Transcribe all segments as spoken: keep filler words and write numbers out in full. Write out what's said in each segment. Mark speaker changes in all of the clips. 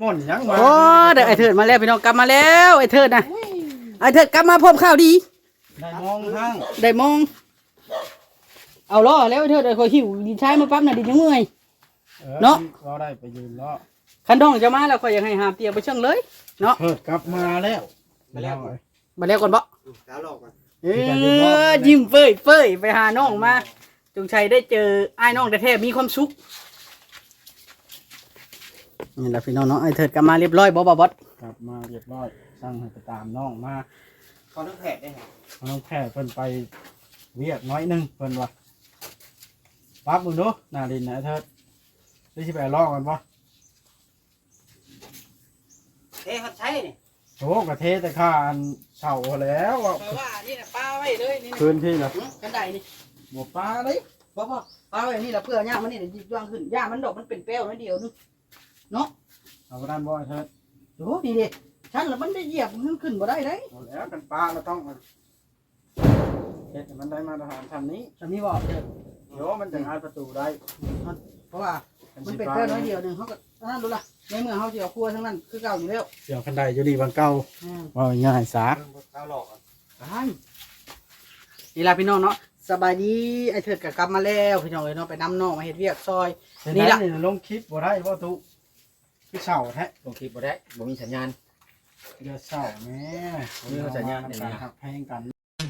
Speaker 1: ม่นยังมา
Speaker 2: โอ้เดี๋ยวไอ้เถิดมาแล้วพี่น้องกลับมาแล้วไอ้เถิดนะไอ้เถิดกลับมาพบข่าวดี
Speaker 1: ได้มองทั้ง
Speaker 2: ได้มองเอาล้อแล้วไอ้เถิดไอ้คอยหิวดินชายมาปั๊บน่ะดินยังเมื่อย เนาะ
Speaker 1: เราได้ไปยืนล้อ
Speaker 2: คันน้องจะมาแล้วคอยอยากให้หาเตียงไปเชิงเลยเนาะ
Speaker 1: เพิดกลับมาแล้ว
Speaker 3: มาแล้ว
Speaker 2: มาแล้วก่อนบ่
Speaker 3: สาวหลอกก่อน
Speaker 2: เออยิ้มเฟ้ยเฟ้ยไปหาน้องมาจงชัยได้เจอไอ้น้องแท้ๆมีความสุขนี่แหละพี่น้องเนาะไอ้เถิดกลับมาเรียบร้อยบ่บ่บอส
Speaker 1: กลับมาเรียบร้อยสั่งให้ไปตามน้องมา
Speaker 3: เขาต้องแผดได้ไง
Speaker 1: น้องแพทย์เพิ่นไปเวียกน้อยหนึงเพิ่นว่าปั๊บมึงดูหน้าดินนะไอ้เถิดได้สิไปลอกกันปะ
Speaker 3: เฮ้ยเขาใช้เนี่ย
Speaker 1: โอ้กระเทแต่ข้าอันเฉาแล้วอะ
Speaker 2: เพราะว่านี่น่ะป้าไว้เลยนี่
Speaker 1: พื้นที่ละ
Speaker 2: กันไดนี่
Speaker 1: หมดปลาเลย
Speaker 2: เพราะว่าป้าไว้นี่ล่ะเพื่อย่ามันนี่เดี๋ยวหยิบย่างขึ้นย่ามันดอกมันเป็นแป้วน้อยเดียวนึงเนาะ
Speaker 1: เอาไปด้านบ่อยเถิด
Speaker 2: โอ้นี่ดิฉันละมันได้เหยียบมันขึ้นบ่ได้เด้
Speaker 1: หมดแล้วกันปลาเราต้องมาเฮ็ดให้มันได้มาตรฐานทำนี้
Speaker 2: ฉันมีบอกเด้อ
Speaker 1: เดี๋ยวมันจะงานประตูได้
Speaker 2: เพราะว่ามันเป็นแป้วน้อยเดียวนึงเขาก็นั่นดูล่ะในเมื่อเขาสิเอาครัวทั้งนั้นคือเก่าอยู่แล้ว
Speaker 1: เสียวคันใดอยู่ดีบางเก่า
Speaker 2: อืม
Speaker 1: ว่าง่ายสา
Speaker 3: สาวหลอกก่อน
Speaker 2: นี่ล่ะพี่น้องเนาะสบายดีไอ้เถิดก็กลับมาแล้วพี่น้องเอ้ยเนาะไปนำน้องมาเฮ็ดเวียกซอย นี่
Speaker 1: นี่
Speaker 2: ล่ะ
Speaker 1: ละลงคลิปบ่ได้ว่าตุพี่เสาแท้
Speaker 3: ลงคลิปบ่ได้บ่มีสัญญาณ
Speaker 1: เดี๋ยวเสาแม่
Speaker 3: มีสัญญาณ
Speaker 1: ในการหักแพงกัน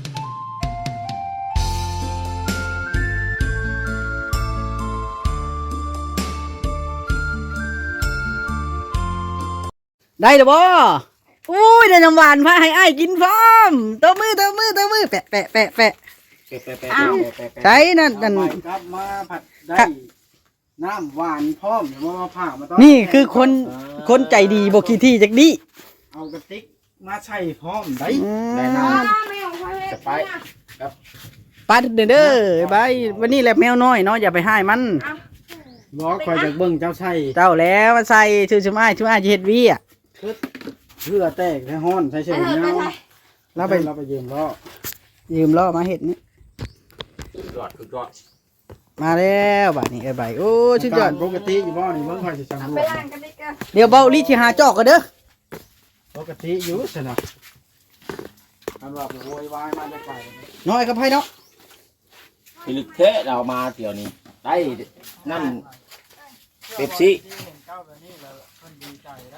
Speaker 2: ได้หรือบ่อุ้ยได้น้ำหวานมาให้อ้ายกินพร้อมตัวมือตัวมือตัวมือแปะแปะแปะแปะ
Speaker 3: แปะแปะแปะ
Speaker 2: อ้าว
Speaker 3: แปะแปะ
Speaker 2: ใช่นั่นนั่น
Speaker 1: เอาไปกลับมาผัดได้น้ำหวานพร้อมเดี๋ยวมาผ่ามาต้
Speaker 2: นี่คือคนคนใจดีบ่ขี้ที่จักดี
Speaker 1: เอากระติกมาใส่พร้อมได้
Speaker 3: ได้น้
Speaker 4: จะไป
Speaker 2: ปลาเด้อเด้อบายวันนี้แหละแมวน้อยเนาะอย่าไปให้มัน
Speaker 1: บอกคอยจากเบิ้งเจ้าใส่
Speaker 2: เจ้าแล้วมาใส่ชื่อชื่ออ้ายชื่ออ้ายสิเฮ็ดเวียก
Speaker 1: เพื่อแตกให้ห้อนใส่เชือกเงา
Speaker 2: เราไป
Speaker 1: เราไปยืมล้อ
Speaker 2: ยืมล้อมาเฮ็ดนี่
Speaker 3: ำยอดคือยอด
Speaker 2: มาแล้วบัดนี้เอ้ยใบโอ้ชุดยอด
Speaker 1: ปกติอยู่บ่นี่เบิ่งคอยสิจังรว
Speaker 4: ไป
Speaker 1: ด
Speaker 4: ล้างกันดิกัน
Speaker 2: เดี๋ยวเบาลีสิหาจอกกันเด้อ
Speaker 1: ปกติอยู่สินะอันว่าไปโวยวายมาจะไป
Speaker 2: น้อยกับไผเนาะ
Speaker 3: พิลึกเทะเรามาเที่ยวนี้ได้นั่นเป๊ปซี่
Speaker 1: เจ้าแบบนี้แล้วเพิ่นดีใจนะ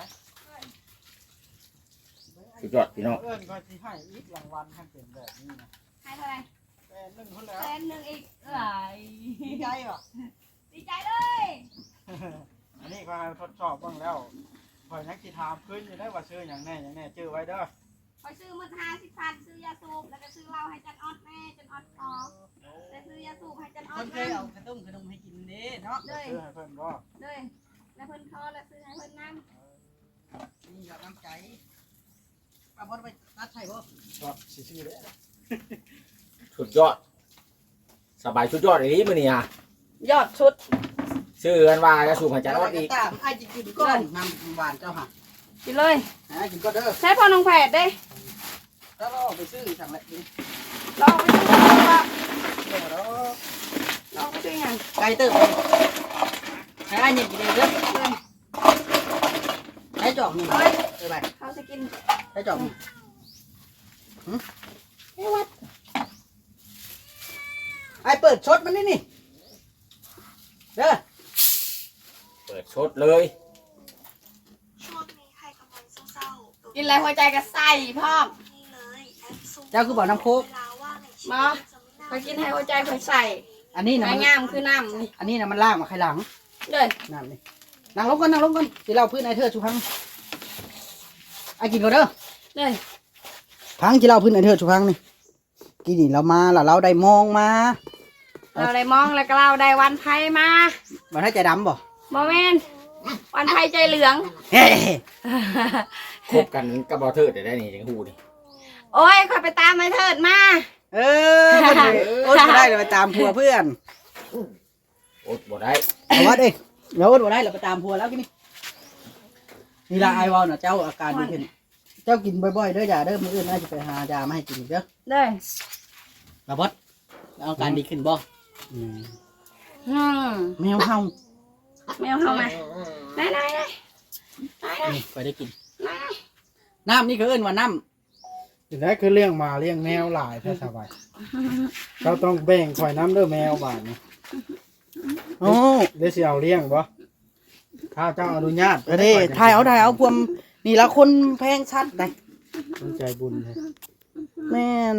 Speaker 3: คือยอดพี่น้อง
Speaker 1: เพิ่นก็สิให้อีกรางวัลให้เป็นแบบนี้นะ
Speaker 4: ให้เท่าไหร่
Speaker 1: แต่หนึ่งคนแล้ว
Speaker 4: แสนหนึ่งอีกเอ้ย
Speaker 1: ดีใจป่ะ
Speaker 4: ดีใจเลย
Speaker 1: อันนี้ก็ให้ทดสอบบ้างแล้วคอยนักสิถามขึ้นอยู่ได้ว่าซื้ออย่างแน่อย่างแน่ชื่อไว้เด้อ
Speaker 4: คอยซื้อมือห้าสิบพันซื้อยาสูบแล้วก็ซื้อเหล้าให้จันออดแม่จันออดออกแล้วซื้อยาสูบให้จันออ
Speaker 2: ค
Speaker 4: ด
Speaker 2: นเค
Speaker 4: แม่
Speaker 2: ยเอาขนมขนมให้กินเด้เนาะ
Speaker 4: เลย
Speaker 1: ซื้อให้เพิ่นบ่
Speaker 4: เลยแล้วเพิ่นคอแล้วซื้อให้เพิ่นนั่ง
Speaker 2: นี่กับน้ำใจป้าบ่ไปตัดไผบ่
Speaker 1: ก็สิซื้อเด้อ
Speaker 3: สุดยอด สบายสุดยอดเลยนี่มื้อนี้อ่ะ
Speaker 4: ยอดชุด
Speaker 3: ชื่อกันว่าจะสูบหายใจรอดอีก
Speaker 2: ตามอ้ายสิกินก่อนน้ำหวานเจ้าค่ะ
Speaker 4: กินเลย
Speaker 2: อ้ายกินก็เด้อ
Speaker 4: ใช้พอน้องแผดได้
Speaker 2: แล้วเราไปซื้อสั่งแหละกิน
Speaker 4: ลองไปซื้อว่า
Speaker 2: เดี๋ยวเรา
Speaker 4: ลองไปซื้ออย่าง
Speaker 2: ไก่เติบให้อ้ายเนี่ยกินเด้อเด้อให้จอกหนึ่งเอ้ยไป
Speaker 4: เขาจะกิน
Speaker 2: ให้จอกหนึ่งหึ
Speaker 4: ให้วัด
Speaker 2: ไอ้เปิดชดมันนี่นี่เด้อ
Speaker 3: เปิดชดเลย
Speaker 5: ช่วงนี้ใครกำลังเศร้าๆตัว
Speaker 4: กินอะไรหัวใจก็ใส่พร้อม
Speaker 5: นี้เลยแอปซูม
Speaker 2: เจ้าคือบอกน้ำโคก
Speaker 5: เวลาว่างในชี
Speaker 4: มา
Speaker 5: วิตจะไม่
Speaker 4: ค
Speaker 5: น่า
Speaker 4: อยกินให้หัวใจคอยใส่
Speaker 2: อันนี้นะ
Speaker 4: ไม้
Speaker 2: มัน
Speaker 4: งามคือน้ำนี่
Speaker 2: อันนี้นะมันล่างมาใครหลัง
Speaker 4: เลย
Speaker 2: นั่นนี่นั่งลงก่อนนั่งลงก่อนสิเราพื้นไอ้เธอชุพังไอ้กินก่อนเด้อ
Speaker 4: เลย
Speaker 2: พังสิเราพื้นไอ้เธอชุพังนี่กินนี่เรามาแล้วเราได้มองมา
Speaker 4: เราได้มองแล้วก็เราได้วันไพ่มา
Speaker 2: มาให้ใจดำบ่
Speaker 4: โมเมนวันไพ่ใจเหลือง
Speaker 2: เฮ้
Speaker 3: คบกันกับบอเทิดได้ได้นี่จังฮู้นี่
Speaker 4: โอ้ยคอยไปตามไอ้เถิดมา
Speaker 2: เออโอ๊ตบ่ได้เราไปตามผัวเพื่อน
Speaker 3: อดบ่ได้
Speaker 2: เอาวัดเอ้ยเราโอ๊ตบ่ได้เราไปตามผัวแล้วกินนี่นี่ละไอวอลน่ะเจ้าอาการดีขึ้นเจ้ากินบ่อยๆเด้ออย่าเด้อมื้ออื่นน่าจะไปหายามาให้กินอีกเด้อ
Speaker 4: เลย
Speaker 2: ระบดเอาการดีขึ้นบ่อืม
Speaker 4: อืม
Speaker 2: แมวเฮา
Speaker 4: แมวเข้ามาไหนไหนไหน
Speaker 2: นี่ค่อยได้กินน้ำนี่คือเอิ้นว่าน้
Speaker 1: ถึงได้คือเลี้ยงหมาเลี้ยงแมวหลายแท้สบายเราต้องแบ่งข่อยน้ำเด้อแมวบาดนี่
Speaker 2: ำโอ้
Speaker 1: เดี๋ยวสิเอาเลี้ยงบ่ถ้าเจ้าอนุญาต
Speaker 2: เด้ถ่ายเอาถ่ายเอาพวมนี่ละคนแพงชัดได้
Speaker 1: สนใจบุญเลย
Speaker 2: แม่น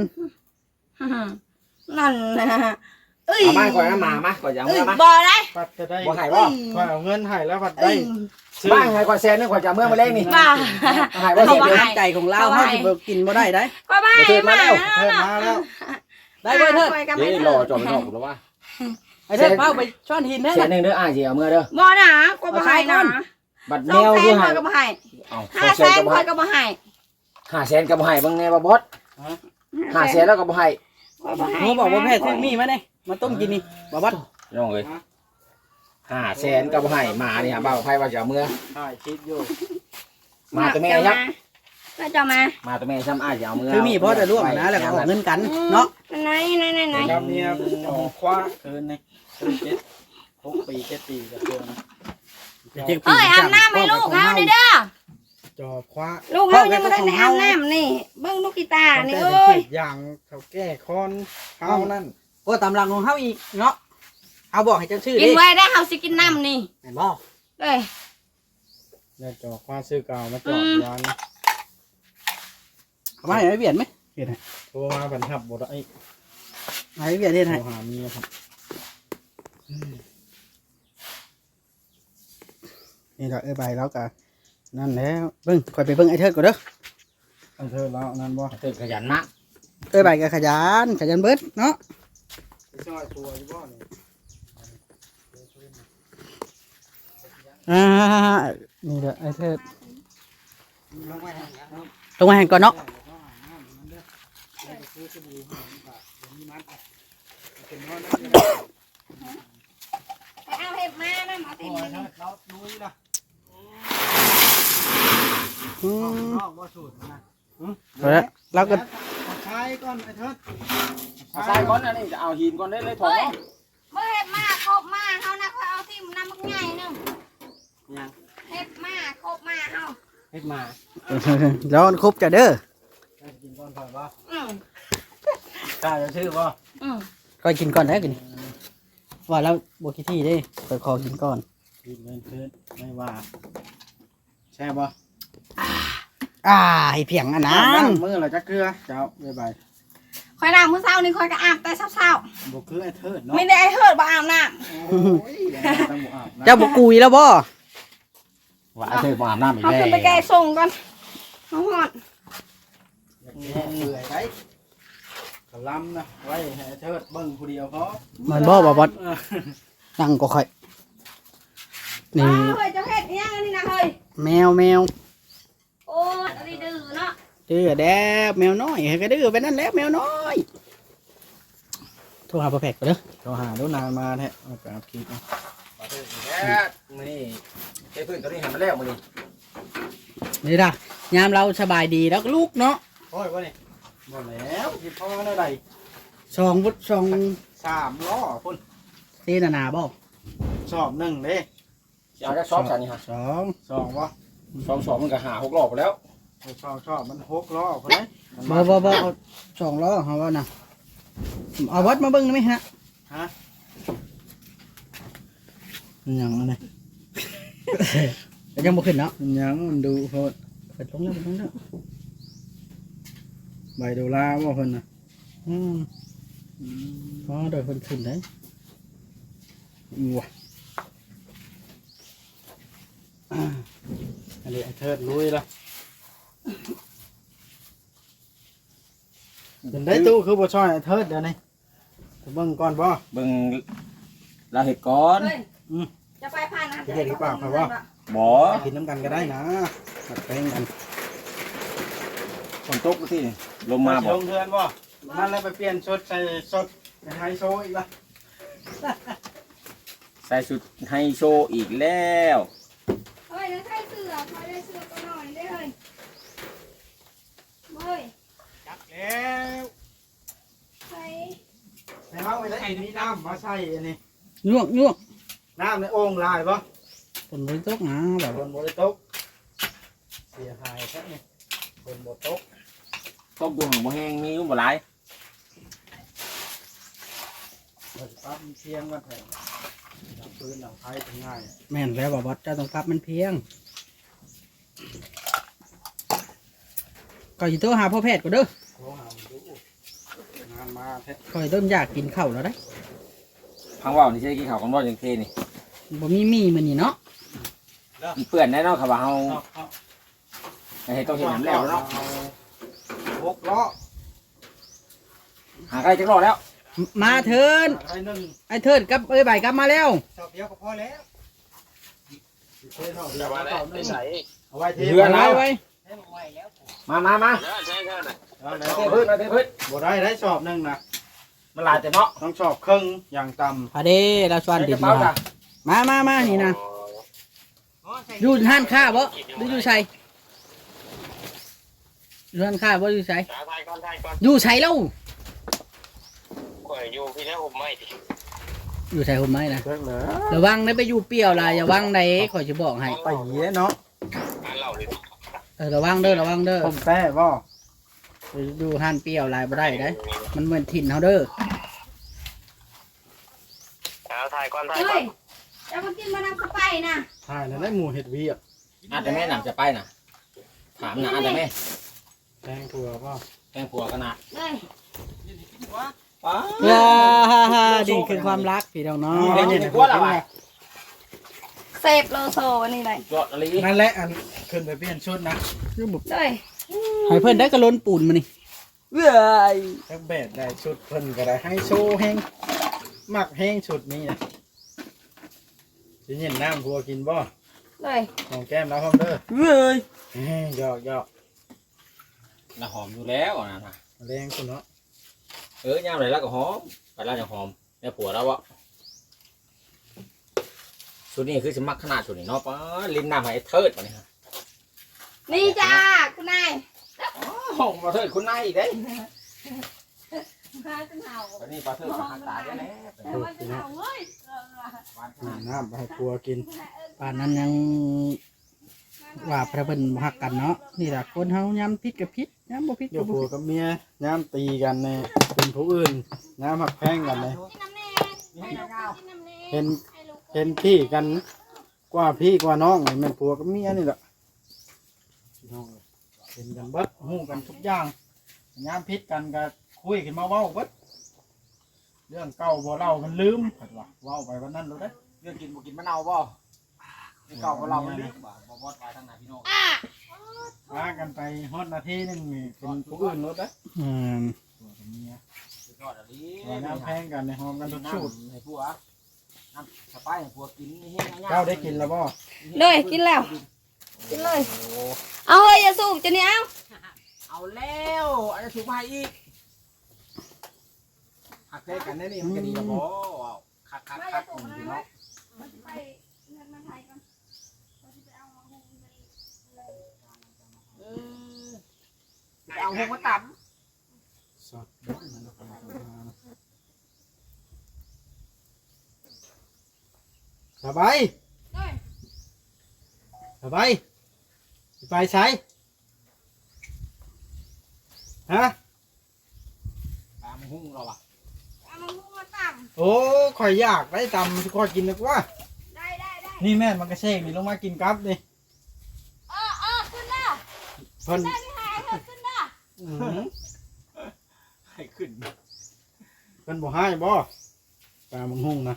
Speaker 4: นั่นนะเอ้ย
Speaker 3: เอามาก่อนนะมามาก่อนจะเอา
Speaker 4: เอ้ย
Speaker 3: เมื่อมา
Speaker 4: บ่ได้
Speaker 1: ปัดจะได้
Speaker 3: บ่ให้บ่
Speaker 1: ข่อยเอาเงินให้แล้วปัด
Speaker 4: เอ้
Speaker 1: ได้
Speaker 4: ย
Speaker 1: ซื้อ
Speaker 3: บ้านให้ก่อนแซนนึงก่อนจะเอาเมื่อมาเล่นนี่
Speaker 4: บ่า
Speaker 3: เอาให้บ่เสีย
Speaker 2: เอา
Speaker 3: เดียว
Speaker 2: น้ำใจของเราเฮาสิบ่กินบ่ได้ได้
Speaker 4: ก็ไม่
Speaker 3: เทิดมาแล้ว
Speaker 1: เทิดมาแล้ว
Speaker 2: ได้บ่เถิด
Speaker 3: เดี๋ยวรอจอดไปนอกหรือว่า
Speaker 2: ไอ้เถิดเป้าไปช้อนหินได้
Speaker 3: แซน
Speaker 2: น่ะ
Speaker 3: นึงเด้ออ้ายสิเอาเมื่อเด้อ
Speaker 4: บ่นะก็บ่ให้นะ
Speaker 3: บัด
Speaker 4: ส
Speaker 3: แม
Speaker 4: อง
Speaker 3: ว
Speaker 4: แส
Speaker 3: คือน ให้
Speaker 4: คอยก็บ่ให้
Speaker 3: เอา
Speaker 4: ห้า
Speaker 3: แส
Speaker 4: แส
Speaker 3: น
Speaker 4: น
Speaker 3: ก็บ่
Speaker 4: คอ
Speaker 3: ให้
Speaker 4: ยก็บ่ให้
Speaker 3: ห้าแสนก็บ่ให้เบิ่งแน่บ่บอสห้าแสนแล้วก็บ่ให้
Speaker 4: คอยบ่ให้
Speaker 2: หนูบอกว่าแพทย์ซื้อมีมาเนี่ยมาต้มกินนี่บ่บัด
Speaker 3: น้องเอ้ยห้าแสนก็บ่ให้หมานี่ฮะบ่าวไผว่าจะเอาเมื่อ
Speaker 1: ถ่ายคลิปอยู่
Speaker 3: มาตัวแม่ยับ
Speaker 4: ก็จะมา
Speaker 3: มาตัวแม่ซ้ำอ้ายจะเอาเมื่อ
Speaker 2: ซื้อมีเพราะจะร่วมนะแล้วก็ออกเงินกันเนาะ
Speaker 4: ไหนไหนไหนไหน
Speaker 1: ครับเนี่ยออกคว้าคืนนี่คืนเจ็ดหกปีเจ็ดปีกับตัวนะ
Speaker 4: เอ้ยอาบน้ำให้ลูกเฮานี่เด้อ
Speaker 1: จอบคว้า
Speaker 4: ลูกเฮายังบ่ได้อาบน้ำนี่เบิ่งลูกกีตาร์นี่
Speaker 1: แต่
Speaker 4: เอ้ย
Speaker 1: อย่างเขาแก้คอนเฮานั่น
Speaker 2: โอ้ตำลังของเฮาอีกเนาะเอาบอกให้เจ้าชื่อ
Speaker 4: กิ
Speaker 2: ดิ
Speaker 4: นไว้ได้เฮาสิกินน้ำนี่
Speaker 2: แม่นบ่
Speaker 4: เอ้ย
Speaker 1: เนี่ยจอบคว้าซื้อเก่ามาจอบยาน
Speaker 2: เอามาให้ไอ้เวียนไหม
Speaker 1: โทรมาบันทับบ่ได้
Speaker 2: ให้ไอ้เวียนเฮ็ด
Speaker 1: โทร
Speaker 2: ให้
Speaker 1: หาเมียครับ
Speaker 2: นี่ดอกเอ้ยใบแล้วก็นั่นแล้วเบิ่งค่อยไปเบิ่งไอ้เทิดก่อนเด้อ
Speaker 1: อันเธอแล้วนั่นบ่
Speaker 3: ตื่นขยันมาก
Speaker 2: เอ้ยใบก็ขยันขยันเบิดเนาะ
Speaker 1: ไปช่วยตัวอยู่บ่นี่
Speaker 2: อ่านี่เด้อไอ้เทิด
Speaker 1: ลงไว้ให้นะ
Speaker 2: ลงมาให้ก่อนเนาะ
Speaker 4: ไปเอาเห็บมานะหมอติมนี่
Speaker 1: เรานุ้ยล่ะ
Speaker 2: อืม
Speaker 1: นอกบ่สูตรนะ
Speaker 2: เอาละเราก็
Speaker 1: ใช้ก่อนไอ้เถิด
Speaker 3: เอาใส่ก่อนอันนี้จะเอาหินก่อนได้เลยถอ
Speaker 4: เฮ้
Speaker 3: ด
Speaker 4: ยเมื่อเห็บมาครบมาเฮานะคอยเอาทิ่มน้ำมักใหญ่นึง
Speaker 1: ยัง
Speaker 4: เห็บมาครบมาเฮา
Speaker 1: เฮ็ดมา
Speaker 2: แล้วครบจะเด้อ
Speaker 1: ให้กินก่อนก่อนบ่
Speaker 4: อืม
Speaker 1: กล้าจะชื่อบ่
Speaker 4: อืม
Speaker 2: ก็กินก่อนแล้วกินว่าแล้วบกิที่เด้ไปขอกินก่อน
Speaker 1: กินเงินคืนไม่ว่าแช่บ่
Speaker 2: อ่าให้เพียงอันนั้น
Speaker 1: มือเราจะเกลือเจ้าบ๊ายบาย
Speaker 4: คอยน้ำมื้อเช้านี่คอยก็อาบแต่เช้า
Speaker 1: บ่คือไอ้เถิด
Speaker 4: ๆ
Speaker 1: เนาะ
Speaker 4: ไม่ได้ไอ้เฮิดบ่อาบน้
Speaker 1: โอ้ยต้องบ่อาบนะ
Speaker 2: เจ้าบกุยแล้วบ่
Speaker 3: ว่าเธอมาอาบน้ำอี
Speaker 4: ำ
Speaker 3: ก
Speaker 4: เขา
Speaker 3: แล้ว
Speaker 4: ขึ้นไปแก้ส่งก่อนเขาหอด
Speaker 1: อยากแก้เปื่อยได้กะลำนะไว้ให้ไอ้เถิดเบิ่งผู้เดียวพอ
Speaker 2: เหมือนบ่บ่บด
Speaker 1: เออ
Speaker 2: นั่งก็ค่อยนี่
Speaker 4: เฮ้ยเจะเฮ็ดอิหยังอันนี่นะเฮ้ย
Speaker 2: แมวแมว
Speaker 4: โอ้ยอันนี้ดื้อเนาะ
Speaker 2: ดื้อแดบแมวน้อยให้ก็ดื้อไปนั่นแหล้วแมวน้อยโทรหาพ่อแพกก่อนเด้อ
Speaker 1: โทรหาดูนานมาแท้เอาไปอัพคลิปเอา
Speaker 3: มาเถิดอีกแล้วมื้อนี้เทพื้นตัวนี้ให้มันแล้วมื้อนี้
Speaker 2: นี่ล่ะยามเราสบายดีแล้วก็ลูกเนาะ
Speaker 1: โอ้ยบ่นี่บ่แล้วสิพ่อเท่าใด
Speaker 2: สองบุสอง
Speaker 1: สามล้อพุ่น
Speaker 2: เตนานาบ่
Speaker 1: สอบหนึ่งเด้
Speaker 3: สิเอาจักซอบซะนี่ฮะ
Speaker 2: สอง
Speaker 1: สองบ่
Speaker 3: สองสองมันก็หาหกรอบไปแล้ว
Speaker 1: ชอบชอบมันหกล้อพุ่นเด้
Speaker 2: บ่บ่บ่เอาสองล้อเฮาว่านะเอาวัดมาเบิ่งได้ไหมฮะ
Speaker 1: ฮะ
Speaker 2: มันหยังอันนี้ ก็ยังบ่ขึ้นเนาะ
Speaker 1: มันยังมันดูโหด
Speaker 2: เปิดลงแล้วเปิดลงแล้ว
Speaker 1: ใบโดลาบ่เพิ่นน่ะ
Speaker 2: อืมพอโดยเพิ่นขึ้นได้
Speaker 1: ว้าอันนี้ไอ้เทิดลุยละเป็นได้ตู้คือบ่ช่อยไอ้เทิดเดี๋ยวนี้ไปเบิ่งก่อนบ่
Speaker 3: เบิ่งเราเห็ดก่อน
Speaker 4: เฮ้ยจะไปผ่านนะ
Speaker 1: เฮ็ดหรือเปล่าครับว่า
Speaker 3: บ่
Speaker 1: กินน้ำกันก็ได้นะตัดแป้งกัน
Speaker 3: ฝนตกที่ลมมา
Speaker 1: สิ
Speaker 3: บ่
Speaker 1: ลงเทือนบ่นั่นแล้วไปเปลี่ยนชุดใส่สดในไฮโซอีกละ
Speaker 3: ใส่ชุดไฮโซอีกแล้ว
Speaker 4: เฮ้ยแล้วใส่เสื้อคอยได้เสื้อตัวหน่อยได้เลยเฮ้ย
Speaker 1: จักแล้ว
Speaker 4: ใส่
Speaker 1: ให้เฮาไปได้มีน้ำมาใส่อันนี้
Speaker 2: ยวกยวก
Speaker 1: น้ำในโอ่งลายบ่
Speaker 2: ฝนบ่ตกนะแบบ
Speaker 1: บนบ่ได้ตกค่นี้คนบ่ตก
Speaker 3: ต้มดูหังบ่แห้งมีอยู่บ่หลาย
Speaker 1: เราจะปั๊บเพียงกันแทนดับปืนดับไฟถึงง่าย
Speaker 2: แม่นแล้วบ่บอสเจ้าต้องปรับมันเพียงก่อนสิโทรหาพ่อแพทย์ก่อนเด้อ
Speaker 1: โทรหาดูงานมาแท้
Speaker 2: ก่อยเริ่มอยากกินข้าวแล้วได้
Speaker 3: พังว่าวนี่ใช่กินข้าวกันบ่จังเทนี่
Speaker 2: บ่มีมีมื้อนี้เนาะ
Speaker 3: มันเปื้อนแน่เนาะครับว่าเฮา
Speaker 1: เอาเอา
Speaker 3: ให้ต้องเฮ็ดน้ำแล้วเนาะ
Speaker 1: หกล้อ
Speaker 3: หาใกล้จักรอดแล้ว
Speaker 2: มาเถิน
Speaker 1: ไอ้หนึ่ง
Speaker 2: ไอ้เถินกับเอ้ยใบกลับมาแล้ว
Speaker 1: ชอบเดียวก็พอแล้วเทเท่าเดียวเอาหนึ่งเอาไว้เท
Speaker 3: เรือ
Speaker 2: ไว้
Speaker 3: แล้ว
Speaker 2: ไว้
Speaker 3: มามามา
Speaker 1: เอาไหน
Speaker 3: เทพื้นมาเทพื้น
Speaker 1: บ่ได้ได้ชอบหนึ่งนะ
Speaker 3: มันหลายแต่เนาะ
Speaker 1: ต้องชอบครึ่งอย่างต่
Speaker 2: พาเด้เราชวน
Speaker 3: ใส่
Speaker 2: ดิ
Speaker 3: ก
Speaker 2: บ
Speaker 3: ระเป๋าจ้ะ
Speaker 2: มามามานี่นะอยู่ห้านค้าบ่หรืออยู่ไสอยู่ห้านค้าบ่อยู่ไส
Speaker 6: ถ่ายก่อนถ่ายก่อน
Speaker 2: อยู่ไสแล้ว
Speaker 6: ข่อยอยู่พี่แล้วผมไม่ดิ
Speaker 2: อยู่ไสผมไม่นะ
Speaker 1: ำเลิกเลย
Speaker 2: ระวังได้ไปอยู่เปรี้ยวล่ะอย่าวังใดข่อยจะบอกให้
Speaker 1: ไปเหี้ยเนาะ
Speaker 6: อ่านเล่าเลย
Speaker 2: เออระวังเด้อระวังเด้อ
Speaker 1: ผมแป้บ่
Speaker 2: ไปดูห้านเปรี้ยวลายบ่ได้เด้มันเหมือนถิ่นเฮาเด้อ
Speaker 6: เอาถ่ายก่อนถ่าย
Speaker 4: เฮ้
Speaker 6: ก่อย น
Speaker 4: จะมากินมะนาวเข้าไปนะ
Speaker 1: ใช่แล้วได้หมูเห็ดเวียก
Speaker 3: อาจจะแม่นำจะไปน่ะถามนะอาจจะแม่
Speaker 1: แตงถั่วบ่
Speaker 3: แกงผัวกันนะ
Speaker 4: เฮ้ย
Speaker 3: ป้า
Speaker 2: ว้านี่คือความรักพี่น้องเนาะ
Speaker 3: เด็กกินกลัวหรอวะ
Speaker 4: เซฟโลโซอันนี้เลย
Speaker 3: ยอดอะไร
Speaker 1: นั่นแหละอันขึ้นไปเปลี่ยนชุดนะ
Speaker 4: เลย
Speaker 2: ให้เพิ่นได้กระล้นปูนมานี่เว้ย
Speaker 1: แท็กเบดได้ชุดเพิ่นก็ได้ให้โชว์แห้งมักแห้งชุดนี้นะสิเย็นน้ำพัวกินบ่
Speaker 4: เลย
Speaker 1: ของแก้มแล้วพร้อมเด้อ
Speaker 2: เว้ย
Speaker 1: เฮ้ยหยอกหยอก
Speaker 3: น่ะหอมอยู่แล้วนะนะ
Speaker 1: แรงคุณเนาะ
Speaker 3: เออย่างไรแล้วก็หอมไปแล้วจะหอมแล้วผัวแล้ววะชุดนี้คือสมักขนาดชุดนี้เนาะป้าลิ้นน้ำให้เทิดมาเนี่ย
Speaker 4: นี่จ้าคุณนาย
Speaker 3: หอมมาเทิดคุณนายอีกเด้
Speaker 4: มาจนเห่า
Speaker 3: ตอนนี้ปลาเทิดหักตาได้แล้ว
Speaker 4: แต่ว่าจนเห่าเฮ้ยเออ
Speaker 1: น้ำน้ำไปให้พัวกิน
Speaker 2: ป่านนั้นยังว่าพระเพิ่นบ่ฮักกันเนาะนี่ล่ะคนเฮายามพิษกับพิษยามบ่พิษ
Speaker 1: อยู่
Speaker 2: ก็บ่
Speaker 1: พัว
Speaker 2: พิษ
Speaker 1: กับเมียน้ำตีกันเนี่ยเป็นผู้อื่นน้ำหักแพงกันเลย
Speaker 4: กินน้ำแน่ให้ลูกกินน้ำแน่
Speaker 1: เห็น
Speaker 4: ให้ลูก
Speaker 1: เห็นพี่กันกว่าพี่กว่าน้องนี่แม่นผัวกับเมียนี่แหละพี่น้องเห็นกันเบิดหู้กันทุกอย่างยามพิษกันก็คุยกันมาเว้าเบิดเรื่องเก่าบ่เล่ามันลืมผัดว่าเว้าไปวันนั้นรู้ได้
Speaker 3: เรื่องกินบ่กินมะนาวบ่เก่าของเรามันลึกบ่บ่บอดไปทางไหนพี่น้อง
Speaker 4: อ่ะ
Speaker 1: พากันไปฮอดนาทีหนึงนี่เป็นผู้อื่นรู้ได้
Speaker 2: อืม
Speaker 1: ผัวกับเมีย
Speaker 3: สุดยอดอะไร
Speaker 1: ว่าน้ำแพงกันในหอมกันทุกชุด
Speaker 3: ให้ผัวน้ำสบายให้ผัวกินนี่เฮ็ดง่ายๆ
Speaker 1: เจ้าได้กินแล้วบ่
Speaker 4: เลยกินแล้ว กินเลย เอาเฮ้ยอย่าสูบจะเนี่ยเอา
Speaker 3: เอาแล้วอันนี้ถูกมาอีกหักเทกันได้นี่มันก็ดีแล้วบ่ว้าวคักคัก
Speaker 4: ไม่
Speaker 3: คั
Speaker 4: จะ
Speaker 3: ก
Speaker 4: สูบ
Speaker 3: พี่
Speaker 4: นะ
Speaker 3: น้อง
Speaker 4: มันจะไปเงินมาไทยกันมันจะไปเอามาหุงไปเลย
Speaker 3: เออไปเอาหงมาตับ
Speaker 1: สดเด้อสบาย
Speaker 4: เลย
Speaker 1: สบายสิไปใช้ฮะ
Speaker 3: ตามหุ้งเราอ่ะ
Speaker 4: เอามาหุงมาตั้ง
Speaker 1: โอ้ข่อยอยากได้ตำข่อยกินนึกว่า
Speaker 4: ได้ได้ได้
Speaker 1: นี่แม่นมันกระเชงนี่ลงมากินกับดิ
Speaker 4: เออเออขึ้นละ
Speaker 1: เพิ่น
Speaker 4: ได้พี่หายเถอะขึ้นละ
Speaker 1: อื้อหือ
Speaker 3: ให้ขึ้น
Speaker 1: เพิ่นบ่ให้บ่ตามึงหุ่งนะ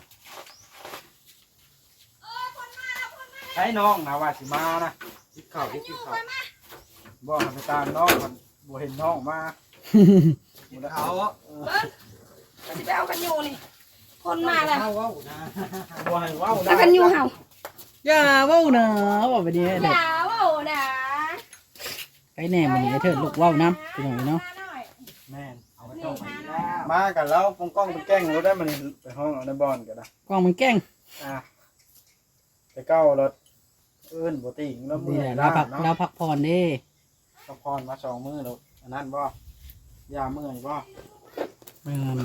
Speaker 4: เออคนมาแล้วคนมา
Speaker 1: ใช้น้องนะว่าสิมานะคิดข้าวคิด
Speaker 4: อยู่
Speaker 1: ข้าว
Speaker 4: ไปมา
Speaker 1: บ่ให้ไปตามน้องมันบ่เห็นน้องมาบ่ได้เอา
Speaker 4: เบิ้งมันจะไปเอากันอยู่นี่ คนมาแล้ว
Speaker 1: เว้านะบ่ให้เว้า
Speaker 4: แล้วกันอยู่เห่า
Speaker 2: อย่าเว้านะว่าไปนี่
Speaker 4: อ
Speaker 2: เด้อย่
Speaker 4: าเว่านะ
Speaker 2: ไอ้แหน่มื้อนี้ไอ้เถิดลูกเว้านํพี่น้องเนาะ
Speaker 4: มาหน่อย
Speaker 1: แม่น
Speaker 3: เอาไปต้มไปแล้ว
Speaker 1: มากันแล้วกงกล้องเป็นแกล้งรถได้มันไปห้องเอาในบ่อนก็ได้
Speaker 2: กล้องมันแกล้ง
Speaker 1: อ่ะไปเก้ารถเอิ้นบ่ติงแล้วมื้
Speaker 2: นี่
Speaker 1: อ
Speaker 2: แหละ
Speaker 1: ล้า
Speaker 2: เราพัก
Speaker 1: เนาะ
Speaker 2: เราพักผ่อนเด้
Speaker 1: ก็พรมาสองมื้อแล้วอันนั้นบ่ยาเมื่อยบ่
Speaker 2: เออ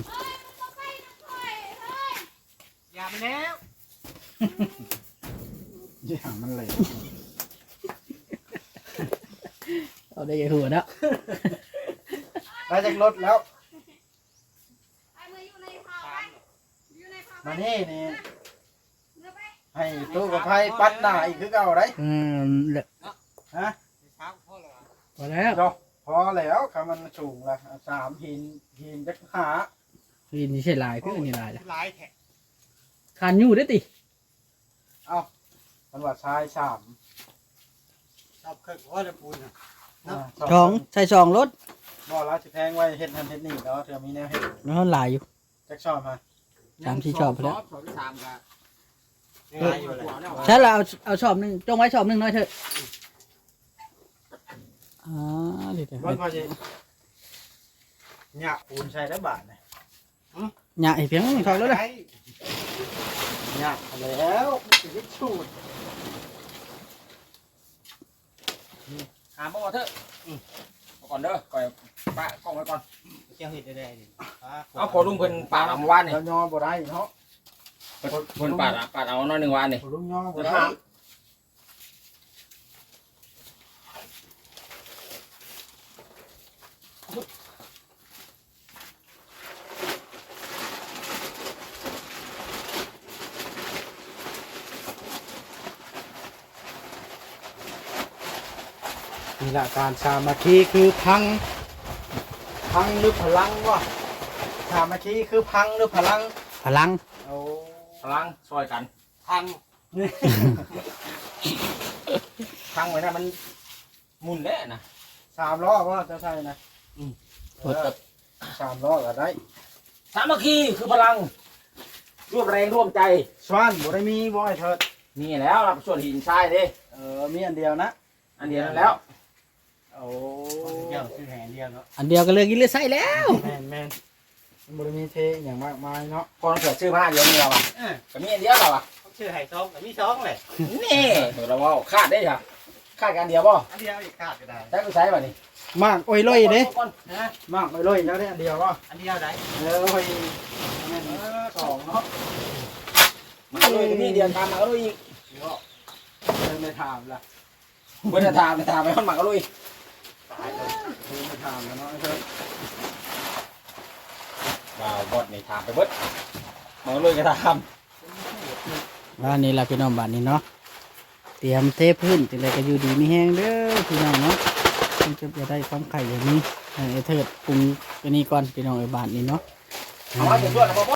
Speaker 3: อย่าไปแล้ว
Speaker 1: ยามันเลย
Speaker 2: เอาได้ยังหัวเนาะ
Speaker 1: ได้จากรถแล้ว
Speaker 4: ไอ้มืออยู่ในเผาไปอยู่ในเผาไป
Speaker 1: มานี่นี่
Speaker 4: เรือไป
Speaker 1: ให้ตู้กับไพ่ปัดหน้าอีกคือเก่าได้
Speaker 2: อืมเหลือ
Speaker 1: ฮะ
Speaker 2: พอแล้ว
Speaker 1: เนาะพอแล้วคำมันสูงละสามหินหินจักหา
Speaker 2: นี่นี่ใช่ลายคืออันนี้ลายละ
Speaker 7: หลายแท้
Speaker 2: คานอยู่ได้อติ
Speaker 1: เอ้ามันว่าชายสาม
Speaker 7: ชอบเคยว่าจะปูนน่ะ
Speaker 1: า
Speaker 2: สองใส่สองรถ
Speaker 1: บ่เราสิแพงไว้เฮ็ดทันเฮ็ดนี่แล้วเธอมีแนวเฮ็ด
Speaker 2: แล้วลายอยู่
Speaker 1: จักชอบมา
Speaker 2: สามสี่ชอบไปแล้ว
Speaker 3: สองสามกัน
Speaker 7: หลายอยู่เลย
Speaker 2: ใช่เราเอาเอาชอบหนึ่งจงไว้ชอบหนึ่งน้อยเถอะอ๋อเดี๋ยว
Speaker 1: บ่พอสิเนี่ยปูนใช้ได้บาทนะ
Speaker 2: ๆหยาอีกเพียงทองแล้วนะ
Speaker 1: เนี่ยแล้วสิได้ชูด
Speaker 3: หาบ่เถอะเอาก่อนเด้อก่อยปะกล้องไว้ก่อน
Speaker 7: เจ้าเห็ดได้ๆนี่
Speaker 3: เอาพอลุงเพิ่นปาดเอาเมื่อวานนี่
Speaker 1: แล้วยอบ่ได้เนาะ
Speaker 3: เพิ่นเพิ่นปาดอะปาดเอาน้อยหนึงวานนี่
Speaker 1: บ่ลุงยอบ่ได้ นี่แหละการสามัคคีคือพัง พังหรือพลังวะสามัคคีคือพังหรือพลัง
Speaker 2: พลัง
Speaker 1: โอ้
Speaker 3: พลังซอยกัน
Speaker 7: พัง
Speaker 3: พังไว้นะมันหมุนแล้วนะ
Speaker 1: สามล้อว่าจะใช่นะ
Speaker 3: อืม
Speaker 1: เออสามล้อก็ได้
Speaker 3: สามัคคีคือพลังร่วมแรงร่วมใจ
Speaker 1: สวานบ่ได้มีบ่ไอ้เถิด
Speaker 3: นี่แล้วรับส่วนหินทรายเด้
Speaker 1: เออมีอันเดียวนะ
Speaker 3: อันเดียวนั้นแล้ว
Speaker 1: โอ้
Speaker 7: เจ้าชื่อแหนเดียวเนาะ
Speaker 2: อันเดียวก็เลยกินเลยใส่แล้ว
Speaker 1: แม่นแม่นมันบ่ได้มีเทอย่างมากมายเนาะ
Speaker 3: พอเราเกิดชื่อมาอันเดียวนี่เราอ่ะ
Speaker 7: เออ
Speaker 3: ก็มีอันเดียวเราอ่ะ
Speaker 7: เขาชื่อไห่ซองแต่มีซองแหละ
Speaker 3: นี่เดี๋ยวเราว่าคาดได้ค่ะคาดกันเดียวป่ะ
Speaker 7: อันเดียวอีกขาดก็ได้
Speaker 3: ใช้ไปใช้ป่ะนี่
Speaker 1: มากโอ้ยลอยเด้
Speaker 3: ก่อน
Speaker 7: นะ
Speaker 1: มากโอ้ยลอยแล้วได้อันเดียวก็
Speaker 7: อันเดียวได้
Speaker 1: เออโอ้ยแม่นสองเนาะ
Speaker 3: มาเลยนี่เดียวตามมาก็ลุยอีก
Speaker 1: เดินไปถามล่ะ
Speaker 3: เพื่อนจะถามจะถามไปข้างหมาก็ลุย
Speaker 1: เดินไปถามแล้วเนาะไอ้เถิด
Speaker 3: ว้าวบอดนี่ถามไปเบิดมาก็ลุยก็ถาม
Speaker 2: บ้านนี้ล่ะพี่น้องบ้านนี้เนาะเตรียมเทพื้นจังไดก็อยู่ดีมีแห้งเด้อพี่น้องเนาะมันจะจะได้ความไข่อย่างนี้ให้ไอ้เถิดปรุงตัวนี้ก่อนพี่น้องไอ้บ้านนี้เนาะ
Speaker 3: เอาไว้เดี๋ยวช่วยนะพ่อ